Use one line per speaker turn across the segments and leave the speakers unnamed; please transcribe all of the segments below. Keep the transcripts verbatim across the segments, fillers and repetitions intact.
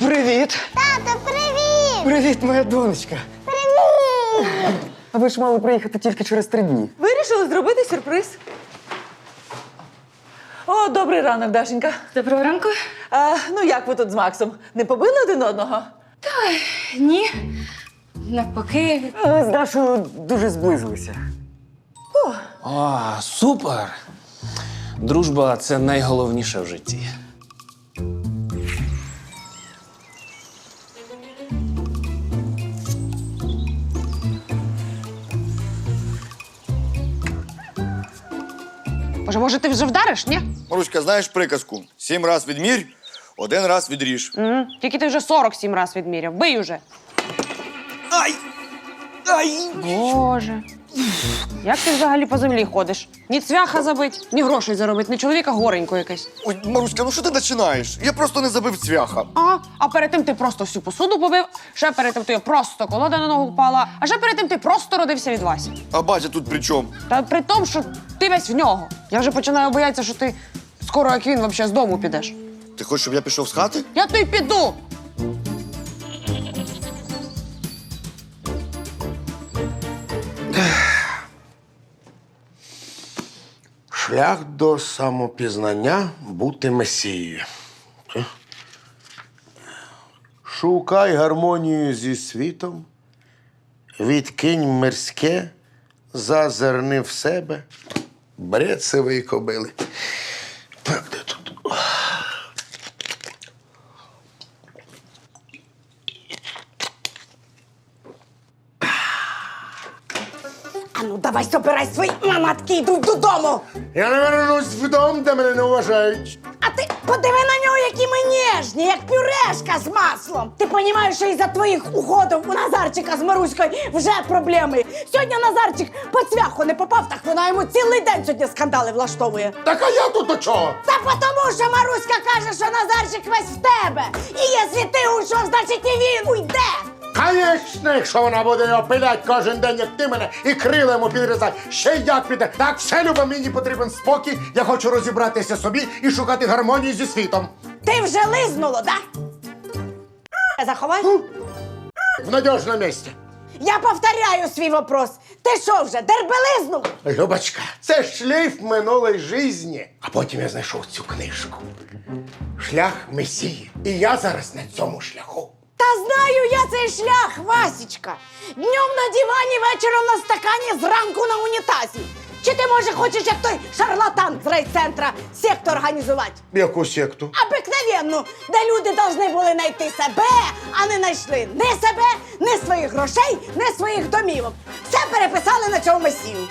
Привіт!
Тато, привіт!
Привіт, моя донечка!
Привіт!
А ви ж мали приїхати тільки через три дні.
Вирішили зробити сюрприз. О, добрий ранок, Дашенька.
Доброго ранку.
А, ну як ви тут з Максом? Не побили один одного?
Ні. Навпаки.
Ми з Дашою дуже зблизилися.
О, супер! Дружба – це найголовніше в житті.
Боже, може, ти вже вдариш, ні?
Маруська, знаєш приказку? Сім раз відмірь, один раз відріж.
Угу. Тільки ти вже сорок сім раз відміряв. Бий уже.
Ай! Ай!
Боже. Як ти взагалі по землі ходиш? Ні цвяха забить, ні грошей заробить, ні чоловіка горенько якесь.
Ой, Маруська, ну що ти починаєш? Я просто не забив цвяха.
А, а перед тим ти просто всю посуду побив, ще перед тим ти просто колода на ногу впала, а ще перед тим ти просто родився від Васі.
А батя тут при чому?
Та при тому, що ти весь в нього. Я вже починаю боятися, що ти скоро, як він, взагалі з дому підеш.
Ти хочеш, щоб я пішов з хати?
Я то й піду.
Шлях до самопізнання – бути месією. Шукай гармонію зі світом, відкинь мирське, зазирни в себе, бред сивої кобили. Так, де тут?
А ну давай собирай свої манатки, йдуть додому.
Я не вернусь вдома, де мене не вважають.
А ти подиви на нього, які ми ніжні, як пюрешка з маслом. Ти розумієш, що із-за твоїх уходів у Назарчика з Маруською вже проблеми. Сьогодні Назарчик по цвяху не попав, так вона йому цілий день сьогодні скандали влаштовує.
Так а я тут до чого?
Та тому, що Маруська каже, що Назарчик весь в тебе. І якщо ти уйшов, значить і він уйде.
Конечно, якщо вона буде його пилять кожен день, як ти мене, і крила йому підрізати, ще й як піде. Так, все, Люба, мені потрібен спокій, я хочу розібратися собі і шукати гармонію зі світом.
Ти вже лизнуло, да? Заховай.
В надіжному місці.
Я повторяю свій вопрос. Ти що вже, дербелизнув?
Любочка, це шлейф минулої житті. А потім я знайшов цю книжку. Шлях Месії. І я зараз на цьому шляху.
Та знаю я цей шлях, Васічка. Днем на дивані, вечором на стакані, зранку на унітазі. Чи ти, може, хочеш, як той шарлатан з райцентра, секту організувати?
Яку секту?
Обикновенну, де люди повинні були знайти себе, а не знайшли ні себе, ні своїх грошей, ні своїх домівок. Все переписали на цьому месію.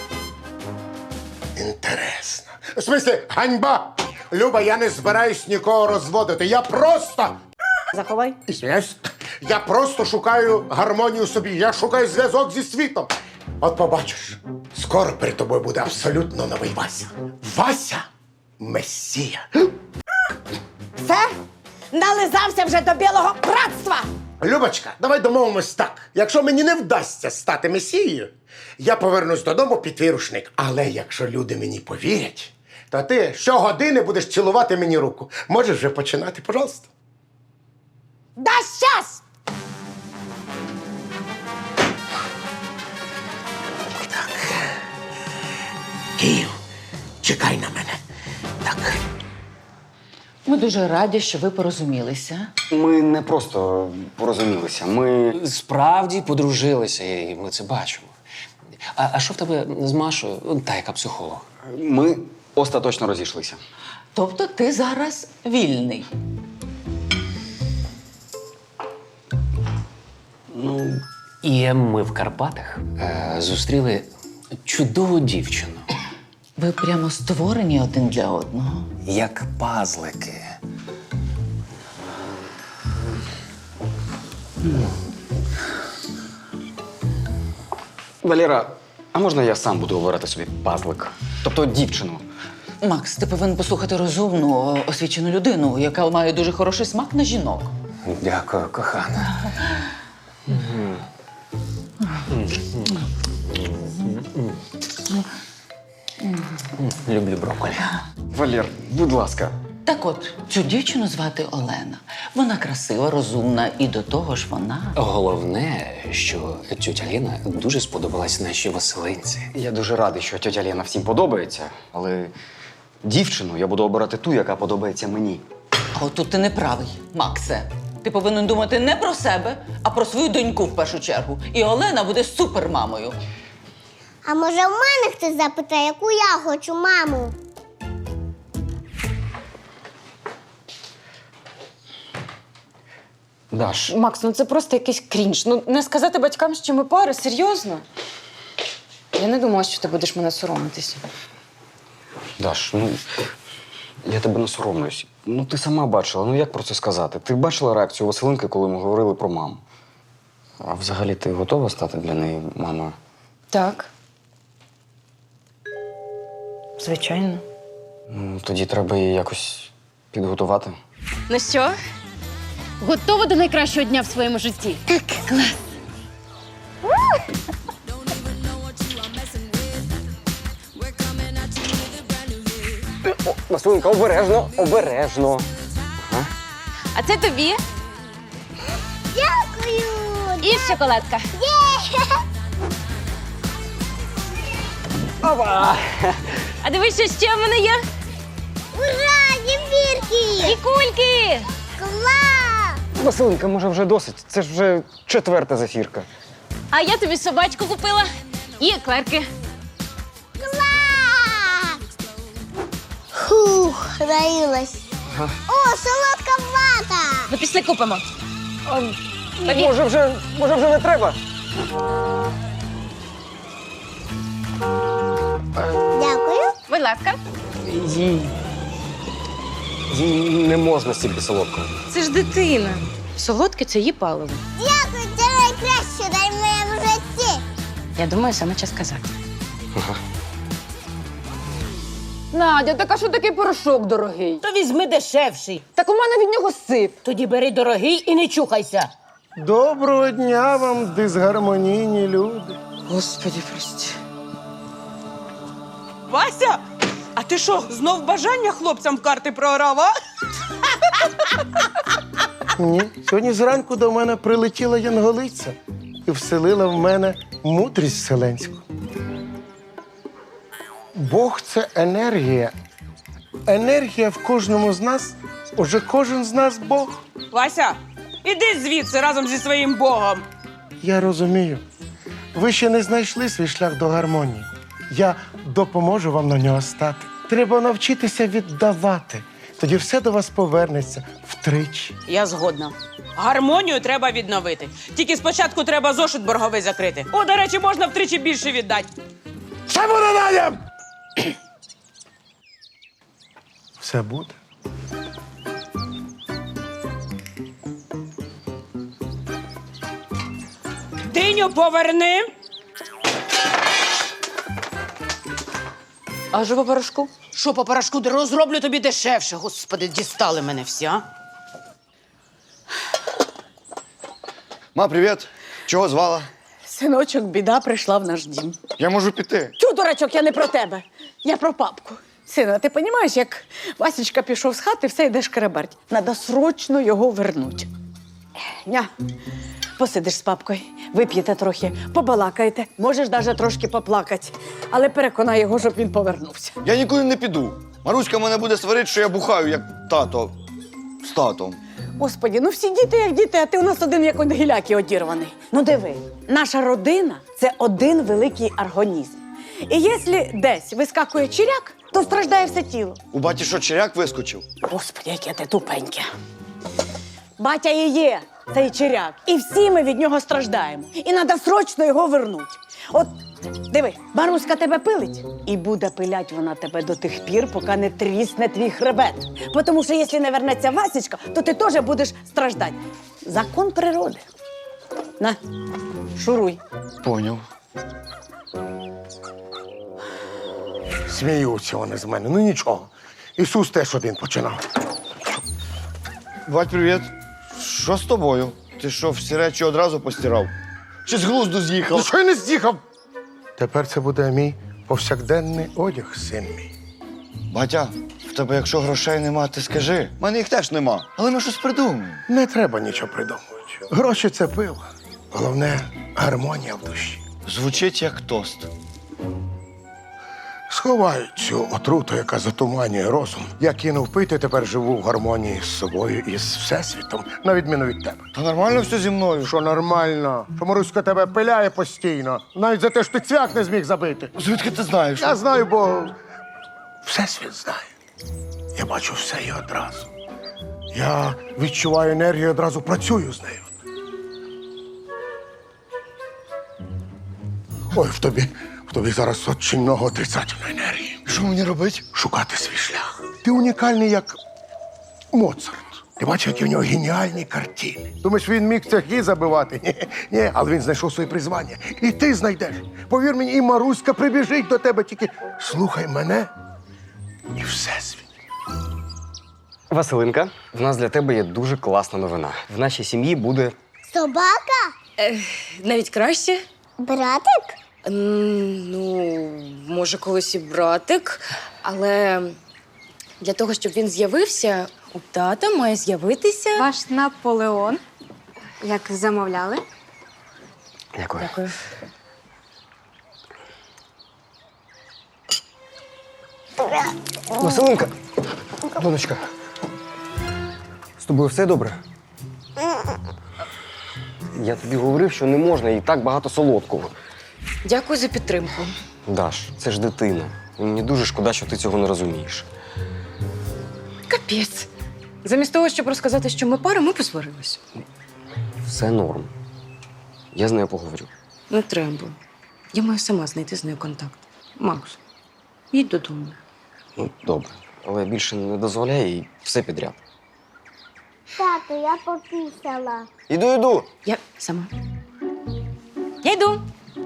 Інтересно. В смислі, ганьба! Люба, я не збираюсь нікого розводити. Я просто...
Заховай.
Ізвиняюсь. Я просто шукаю гармонію собі. Я шукаю зв'язок зі світом. От побачиш, скоро перед тобою буде абсолютно новий Вася. Вася Месія.
Все? Нализався вже до білого братства.
Любочка, давай домовимось так. Якщо мені не вдасться стати Месією, я повернусь додому під твій рушник. Але якщо люди мені повірять, то ти щогодини будеш цілувати мені руку. Можеш вже починати, пожалуйста.
Да щас!
Київ, чекай на мене. Так.
Ми дуже раді, що ви порозумілися.
Ми не просто порозумілися, ми...
Справді подружилися, і ми це бачимо. А, а що в тебе з Машою? Та, яка психолог?
Ми остаточно розійшлися.
Тобто ти зараз вільний.
Ну, і ми в Карпатах е, зустріли чудову дівчину.
Ви прямо створені один для одного.
Як пазлики.
Валера, а можна я сам буду обирати собі пазлик? Тобто дівчину?
Макс, ти повинен послухати розумну, освічену людину, яка має дуже хороший смак на жінок.
Дякую, кохана. Люблю брокколі.
Валер, будь ласка.
Так от, цю дівчину звати Олена. Вона красива, розумна і до того ж вона.
Головне, що тьотя Ліна дуже сподобалась нашій Василинці.
Я дуже радий, що тьотя Ліна всім подобається, але дівчину я буду обирати ту, яка подобається мені.
А отут ти не правий, Максе. Ти повинен думати не про себе, а про свою доньку в першу чергу. І Олена буде супермамою.
А може в мене хтось запитає, яку я хочу маму?
Даш,
Макс, ну це просто якийсь крінж. Ну не сказати батькам, що ми пара, серйозно. Я не думала, що ти будеш мене соромитися.
Даш, ну я тебе не соромлюсь. Ну ти сама бачила, ну як про це сказати? Ти бачила реакцію Василинки, коли ми говорили про маму? А взагалі ти готова стати для неї мамою?
Так. Звичайно.
Ну, тоді треба її якось підготувати.
Ну що, готова до найкращого дня в своєму житті? Так. Клас.
Василинка, обережно, обережно.
А це тобі
Дякую!
і шоколадка.
Ова!
А дивись, що ще в мене є?
Ура! Зефірки!
І кульки!
Клас!
Василинка, може вже досить? Це ж вже четверта зефірка.
А я тобі собачку купила і еклерки.
Клас! Фух, наїлась. О, солодка вата!
Ну, після купимо.
Може вже, може вже не треба?
Дякую.
Будь ласка.
Їй. Їй не можна стільки солодкого.
Це ж дитина. Солодке це її паливо.
Дякую, це найкраще дай в моєму житті.
Я думаю, саме час казати.
Надя, так а що такий порошок дорогий?
То візьми дешевший.
Так у мене від нього сип.
Тоді бери дорогий і не чухайся.
Доброго дня вам, дисгармонійні люди.
Господи, прости.
Вася, а ти що, знов бажання хлопцям в карти програв, а?
Ні, сьогодні зранку до мене прилетіла янголиця і вселила в мене мудрість вселенську. Бог – це енергія. Енергія в кожному з нас, уже кожен з нас Бог.
Вася, іди звідси разом зі своїм богом.
Я розумію. Ви ще не знайшли свій шлях до гармонії. Я допоможу вам на нього стати. Треба навчитися віддавати. Тоді все до вас повернеться втричі.
Я згодна. Гармонію треба відновити. Тільки спочатку треба зошит борговий закрити. О, до речі, можна втричі більше віддати.
Все буде, Надя! Все буде.
Диню поверни.
А що по порошку?
Що по порошку розроблю тобі дешевше. Господи, дістали мене всі, а?
Ма, привіт. Чого звала?
Синочок, біда прийшла в наш дім.
Я можу піти.
Тю, дурачок, я не про тебе. Я про папку. Сина, ти розумієш, як Васечка пішов з хати, все йде шкереберть. Надо срочно його вернуть. Ня, посидиш з папкою, вип'єте трохи, побалакаєте, можеш навіть трошки поплакати. Але переконай його, щоб він повернувся.
Я нікуди не піду. Маруська мене буде сварити, що я бухаю, як тато з татом.
Господі, ну всі діти як діти, а ти у нас один як один гіляки одірваний. Ну диви, наша родина – це один великий організм. І якщо десь вискакує чиряк, то страждає все тіло.
У баті що, черяк вискочив?
Господи, яке ти тупеньке. Батя і є цей чиряк. І всі ми від нього страждаємо. І треба срочно його вернути. От, диви, Маруська тебе пилить, і буде пилять вона тебе до тих пір, поки не трісне твій хребет. Бо тому що, якщо не вернеться Васечка, то ти теж будеш страждати. Закон природи. На, шуруй.
Поняв.
Сміються вони з мене. Ну нічого. Ісус теж один починав.
Бать, привіт. Що з тобою? Ти що, всі речі одразу постирав? Чи з глузду з'їхав?
Ну що я не з'їхав? Тепер це буде мій повсякденний одяг, син мій.
Батя, в тебе, якщо грошей нема, ти скажи. У мене їх теж нема. Але ми щось придумаємо.
Не треба нічого придумувати. Гроші це пиво. Головне гармонія в душі.
Звучить як тост.
Сховай цю отруту, яка затуманює розум. Я кинув пити, тепер живу в гармонії з собою і з всесвітом, на відміну від тебе.
Та нормально все зі мною.
Що нормально? Що Маруська тебе пиляє постійно, навіть за те, що ти цвях не зміг забити.
Звідки ти знаєш?
Я знаю, бо всесвіт знає. Я бачу все і одразу. Я відчуваю енергію і одразу працюю з нею. Ой, в тобі, в тобі зараз очень много отрицательної енергії.
Що мені робити?
Шукати свій шлях. Ти унікальний, як Моцарт. Ти бачиш, які в нього геніальні картини. Думаєш, він міг цехи забивати? Ні, ні, але він знайшов своє призвання. І ти знайдеш. Повір мені, і Маруська прибіжить до тебе, тільки слухай мене і всесвіт.
Василинка, в нас для тебе є дуже класна новина. В нашій сім'ї буде.
Собака?
Навіть краще.
Братик?
М, Ну, може, колись і братик, але для того, щоб він з'явився, у тата має з'явитися.
Ваш Наполеон, як замовляли.
Дякую.
Дякую.
Василинка! Донечка. З тобою все добре? Я тобі говорив, що не можна і так багато солодкого.
Дякую за підтримку.
Даш, це ж дитина. І мені дуже шкода, що ти цього не розумієш.
Капець. Замість того, щоб розказати, що ми пара, ми посварились.
Все норм. Я з нею поговорю.
Не треба. Я маю сама знайти з нею контакт. Макс, їдь додому.
Ну, добре. Але більше не дозволяй і все підряд.
Тату, я попісала.
Іду, іду.
Я сама. Я йду.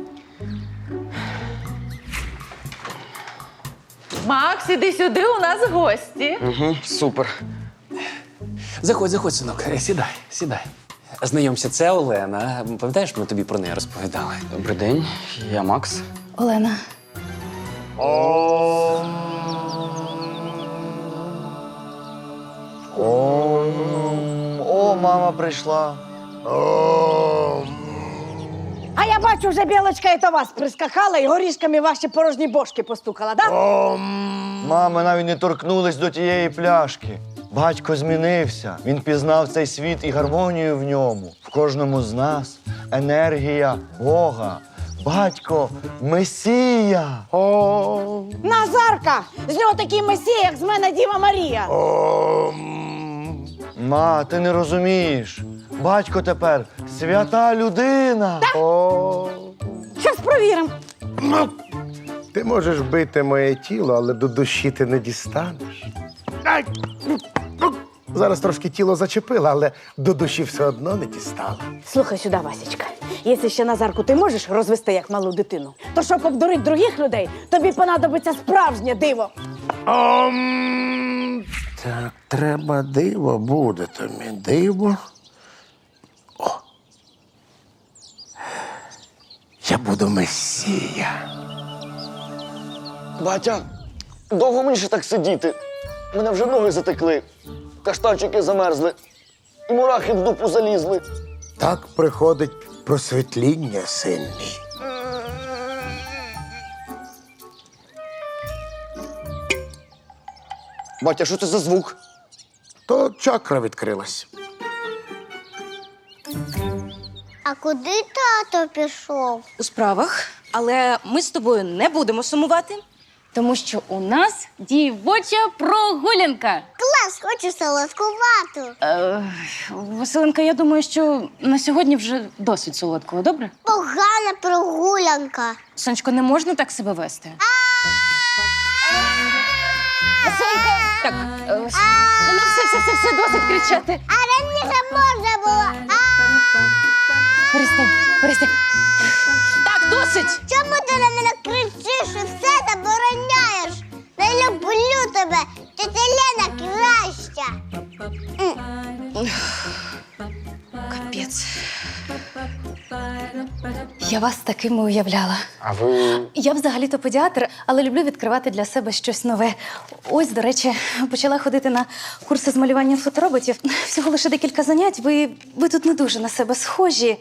Макс, іди сюди, у нас гості.
Угу, супер.
Заходь, заходь, синок, Е, сідай, сідай. Знайомся, це Олена. Пам'ятаєш, ми тобі про неї розповідали?
Добрий день, я Макс.
Олена.
О, о, мама прийшла.
О,
А я бачу, вже білочка і до вас прискакала і горішками ваші порожні бошки постукала, да?
о,
Мами навіть не торкнулись до тієї пляшки. Батько змінився. Він пізнав цей світ і гармонію в ньому. В кожному з нас енергія Бога. Батько Месія.
о,
Назарка! З нього такий месія, як з мене Діва Марія.
о,
Ма, ти не розумієш. Батько тепер свята людина.
о.
Щас провіримо.
Ну, ти можеш бити моє тіло, але до душі ти не дістанеш. Ай! Зараз трошки тіло зачепило, але до душі все одно не дістала.
Слухай сюди, Васечка. Якщо ще Назарку ти можеш розвести як малу дитину, то щоб обдурити других людей, тобі понадобиться справжнє диво.
Ом... Так, треба диво, буде тобі диво. О! Я буду месія.
Батя, довго мені ще так сидіти? Мене вже ноги затекли, каштанчики замерзли, і мурахи в дупу залізли.
Так приходить просвітління, син мій.
Батя, що це за звук?
То чакра відкрилась.
А куди тато пішов?
У справах, але ми з тобою не будемо сумувати, тому що у нас дівоча прогулянка.
Клас, хочу солодкувату.
Е, Василенка, я думаю, що на сьогодні вже досить солодкого, добре?
Погана прогулянка.
Сонечко, не можна так себе вести. Василенка, так, е, ну все, все, все, все, досить кричати.
А раніше можна було.
Перестань, перестань. Так, досить.
Чому ти на мене кричиш і все забороняєш? Не люблю тебе. Тетя Лена краща.
Капець. Я вас такими уявляла.
А ви.
Я взагалі-то педіатр, але люблю відкривати для себе щось нове. Ось, до речі, почала ходити на курси з малювання фотороботів. Всього лише декілька занять. Ви, ви тут не дуже на себе схожі.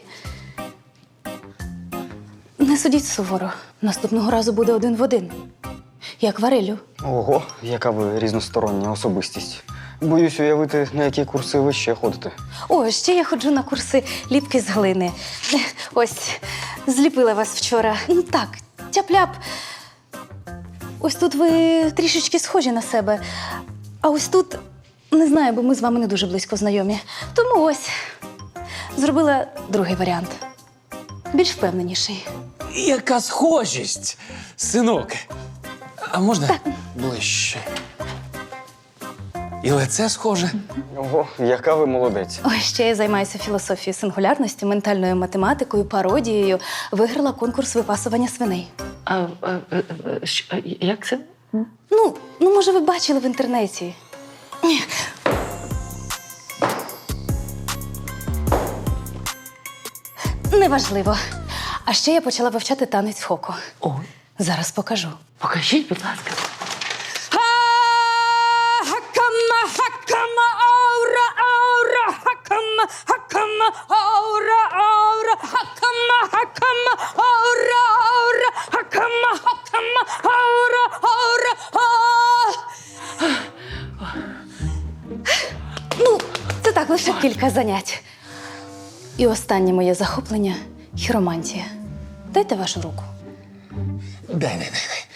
Не судіть суворо. Наступного разу буде один в один. І акварелю.
Ого, яка ви різностороння особистість. Боюсь уявити, на які курси ви ще ходите.
О, ще я ходжу на курси ліпки з глини. Ось, зліпила вас вчора. Ну так, тяп-ляп. Ось тут ви трішечки схожі на себе. А ось тут, не знаю, бо ми з вами не дуже близько знайомі. Тому ось, зробила другий варіант. Більш впевненіший.
Яка схожість, синок. А можна ближче? І лице схоже.
Ого, яка ви молодець.
Ой, ще я займаюся філософією сингулярності, ментальною математикою, пародією. Виграла конкурс випасування свиней.
А, а, а, а, що, як це?
Ну, ну, може, ви бачили в інтернеті. Неважливо. А ще я почала вивчати танець хоко.
Ой.
Зараз покажу.
Покажіть, будь ласка.
Хакама, хакама, аура, аура, хакама, хакама, аура, аура, хакама, хакама, аура, аура, хакама, хакама, аура, аура, а.
Ну, це так, лише кілька занять. І останнє моє захоплення – хіромантія. Дайте вашу руку.
Дай, дай, дай, дай.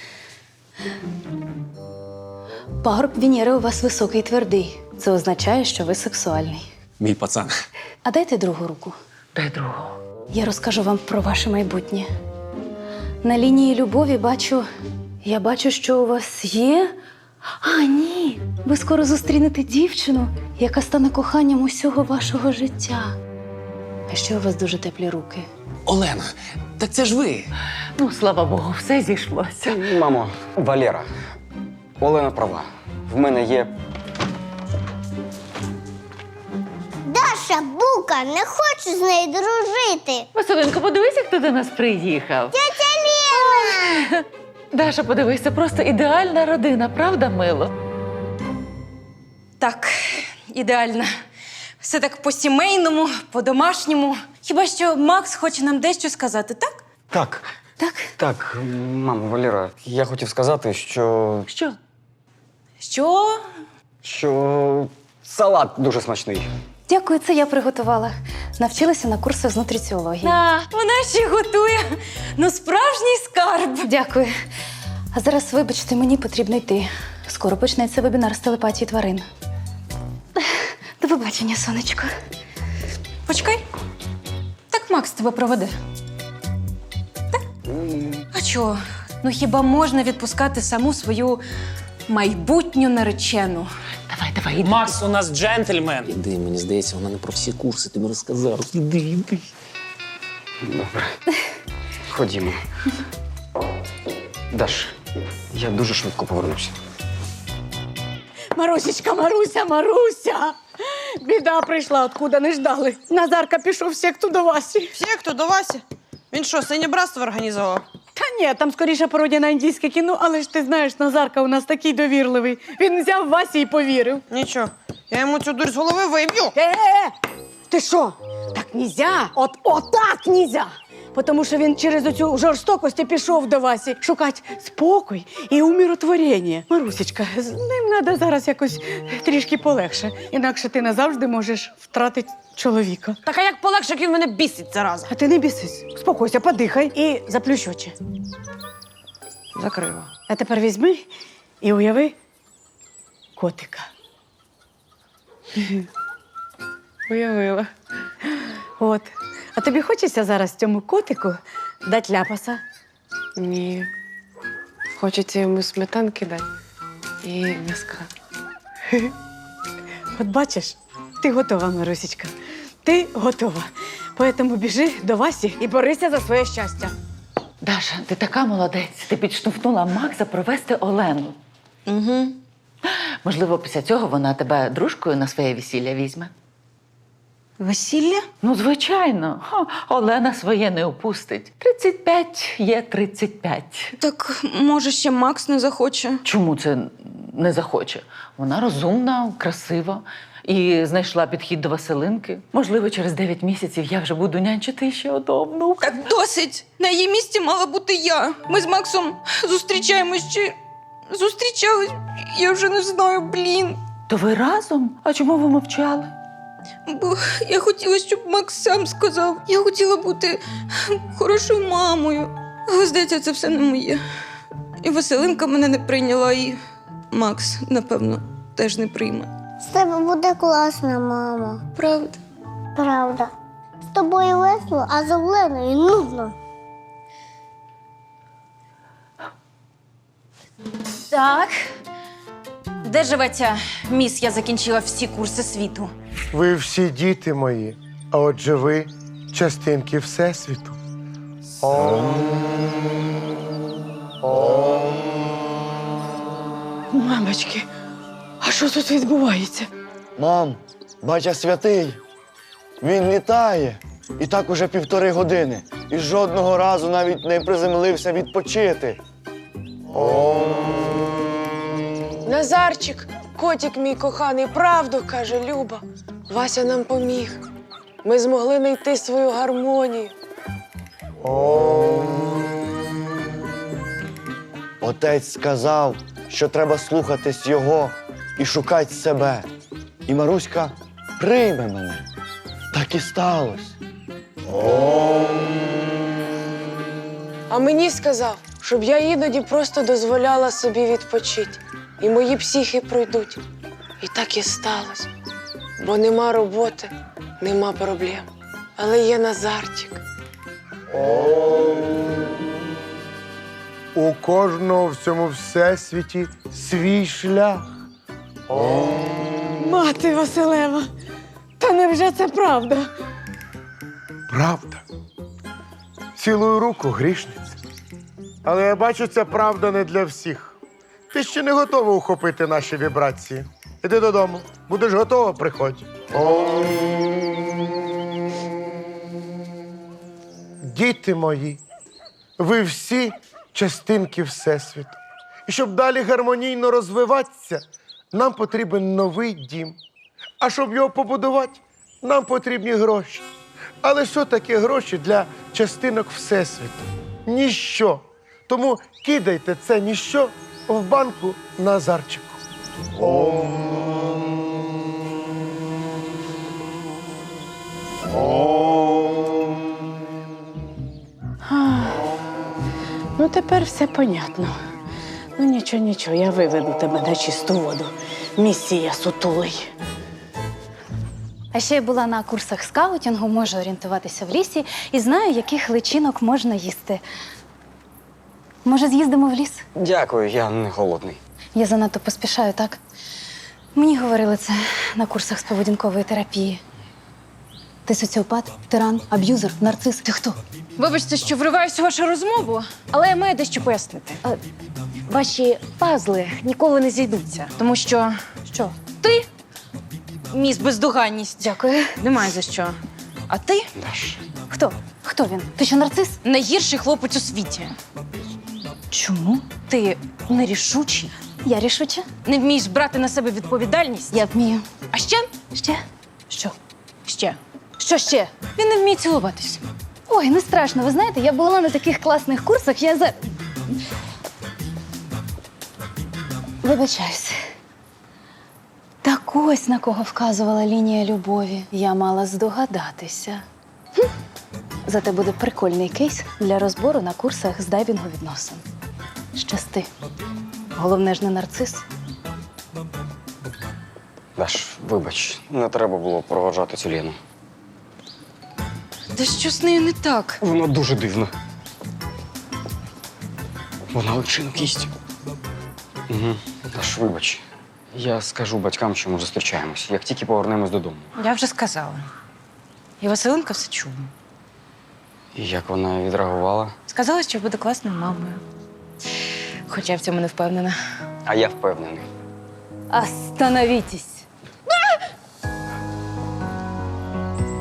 Пагорб Венери у вас високий і твердий. Це означає, що ви сексуальний.
Мій пацан.
А дайте другу руку.
Дай другу.
Я розкажу вам про ваше майбутнє. На лінії любові бачу, я бачу, що у вас є. А, ні. Ви скоро зустрінете дівчину, яка стане коханням усього вашого життя. А ще у вас дуже теплі руки.
Олена, так це ж ви.
Ну, слава Богу, все зійшлося.
Мамо, Валера, Олена права. В мене є.
Даша, бука, не хочу з нею дружити.
Василинко, подивися, хто до нас приїхав.
Тетя Лена!
Даша, подивись, це просто ідеальна родина, правда, мило?
Так, ідеально. Все так по-сімейному, по-домашньому. Хіба що Макс хоче нам дещо сказати, так?
Так.
Так?
Так, мамо, Валера, я хотів сказати, що.
Що?
Що?
що салат дуже смачний.
Дякую, це я приготувала. Навчилася на курсах з нутриціології. А, вона ще готує. Ну, справжній скарб. Дякую. А зараз, вибачте, мені потрібно йти. Скоро почнеться вебінар з телепатії тварин. До побачення, сонечко. Почекай. Так Макс тебе проведе. Так? А чого? Ну хіба можна відпускати саму свою майбутню наречену?
Давай, давай, іди.
Макс у нас джентльмен. Іди, мені здається, вона не про всі курси тобі розказала. Іди, іди.
Добре. Ходімо. Даш, я дуже швидко повернуся.
Марусечка, Маруся, Маруся! Біда прийшла, откуда не ждали. Назарка пішов в секту до Васі.
В секту до Васі? Він що, синє братство організував?
Та ні, там скоріше пародія на індійське кіно, але ж ти знаєш, Назарка у нас такий довірливий. Він взяв Васі і повірив.
Нічого, я йому цю дурь з голови виб'ю.
Е-е-е! Ти що? Так нельзя! От отак нельзя! Тому що він через оцю жорстокость і пішов до Васі шукати спокій і умиротворення. Марусечка, з ним треба зараз якось трішки полегше. Інакше ти назавжди можеш втратити чоловіка.
Так а як полегше, як він мене бісить зараза?
А ти не бісись. Успокойся, подихай і заплющ очі.
Закрила.
А тепер візьми і уяви котика. Уявила. От. А тобі хочеться зараз цьому котику дати ляпаса?
Ні. Хочеться йому сметанки дати і м'яска.
От бачиш, ти готова, Марусечка. Ти готова. Поэтому біжи до Васі і борися за своє щастя.
Даша, ти така молодець. Ти підштовхнула Макса провести Олену. Угу. Можливо, після цього вона тебе дружкою на своє весілля візьме.
Весілля?
Ну, звичайно. Ха, Олена своє не опустить. тридцять п'ять є тридцять п'ять.
Так, може, ще Макс не захоче.
Чому це не захоче? Вона розумна, красива і знайшла підхід до Василинки. Можливо, через дев'ять місяців я вже буду нянчити ще одного внука.
Так досить! На її місці мала бути я. Ми з Максом зустрічаємось чи зустрічались. Я вже не знаю, блін.
То ви разом? А чому ви мовчали?
Бо я хотіла, щоб Макс сам сказав. Я хотіла бути хорошою мамою. Але, здається, це все не моє. І Василинка мене не прийняла, і Макс, напевно, теж не прийме.
З тебе буде класна мама.
Правда?
Правда. З тобою весело, а з Оленою нудно.
Так. Де живе ця міс? Я закінчила всі курси світу.
Ви всі діти мої, а отже ви частинки Всесвіту.
Мамочки, а що тут відбувається?
Мам, батя святий. Він літає. І так уже півтори години. І жодного разу навіть не приземлився відпочити.
Назарчик, котик мій коханий, правду каже Люба. Вася нам поміг. Ми змогли знайти свою гармонію.
Отець сказав, що треба слухатись його і шукати себе. І Маруська прийме мене. Так і сталося.
А мені сказав, щоб я іноді просто дозволяла собі відпочити. І мої психи пройдуть. І так і сталося. Бо нема роботи, нема проблем. Але є Назарчик.
У кожного в цьому всесвіті свій шлях.
Мати Василева, та невже це правда?
Правда. Цілую руку, грішниця. Але я бачу, це правда не для всіх. Ти ще не готова ухопити наші вібрації. Іди додому. Будеш готова, приходь. Діти мої, ви всі частинки Всесвіту. І щоб далі гармонійно розвиватися, нам потрібен новий дім. А щоб його побудувати, нам потрібні гроші. Але що таке гроші для частинок Всесвіту? Ніщо. Тому кидайте це ніщо в банку Назарчику.
Ну, тепер все понятно. Ну, нічого, нічого, я виведу тебе на чисту воду. Місія сутулий.
А ще я була на курсах скаутінгу, можу орієнтуватися в лісі і знаю, яких личинок можна їсти. Може, з'їздимо в ліс?
Дякую, я не голодний.
Я занадто поспішаю, так? Мені говорили це на курсах з поведінкової терапії. Ти соціопат, тиран, аб'юзер, нарцис. Ти хто?
Вибачте, що вриваюся в вашу розмову, але я маю дещо пояснити.
А,
Ваші пазли ніколи не зійдуться, тому що
що?
ти міс бездоганність.
Дякую.
Немає за що. А ти
Даш.
Хто? Хто він? Ти що, нарцис?
найгірший хлопець у світі.
Чому?
Ти нерішучий,
Я рішуча.
не вмієш брати на себе відповідальність.
Я вмію.
А ще
Ще? Що?
ще
Що ще?
він не вміє цілуватись.
Ой, не страшно. Ви знаєте, я була на таких класних курсах, я за... Вибачаюсь. Так ось на кого вказувала лінія любові. Я мала здогадатися. Хм. Зате буде прикольний кейс для розбору на курсах з дайвінгу відносин. Щасти. Головне ж не нарцис.
Даш, вибач, не треба було проводжати цю Лену.
Та що з нею не так?
Вона дуже дивна. Вона личинок їсть. Угу. Даш, вибач. Я скажу батькам, що ми зустрічаємось, як тільки повернемось додому.
Я вже сказала. І Василинка все чула.
І як вона відреагувала?
Сказала, що буде класною мамою. Хоча я в цьому не впевнена.
А я впевнений.
Остановітесь.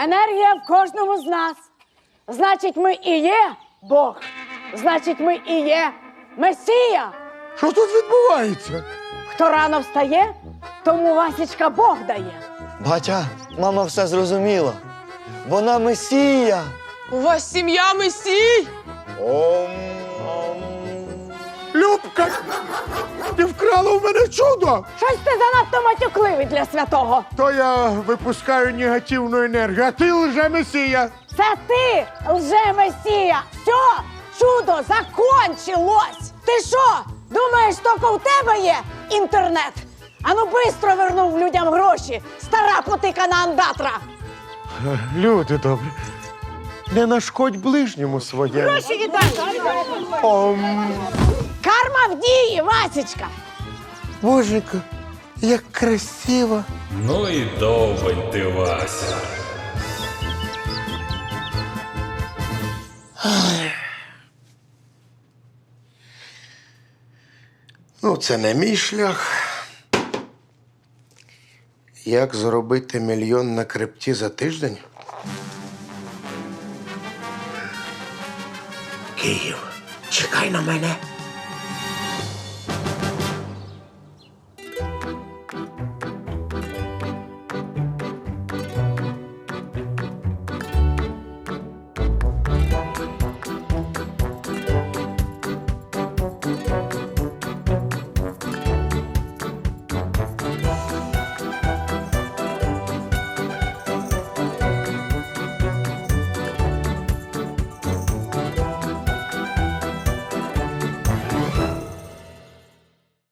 Енергія в кожному з нас. Значить, ми і є Бог. Значить, ми і є Месія.
Що тут відбувається?
Хто рано встає, тому Васічка Бог дає.
Батя, мама все зрозуміла. Вона месія.
У вас сім'я месій?
Ом.
Любка, ти вкрала в мене чудо!
Щось ти занадто матюкливий для святого.
То я випускаю негативну енергію, а ти лже-месія.
Це ти, лже-месія. Все, чудо закончилось. Ти що, думаєш, тільки у тебе є інтернет? Ану, бистро вернув людям гроші, стара потикана андатра.
Люди добрі, не нашкодь ближньому своєму.
Гроші віддай.
Ом.
Карма в дії, Васечка.
Боженька, як красиво.
Ну і довбень ти, Вася.
Ну, це не мій шлях. Як заробити мільйон на крипті за тиждень? Київ, чекай на мене.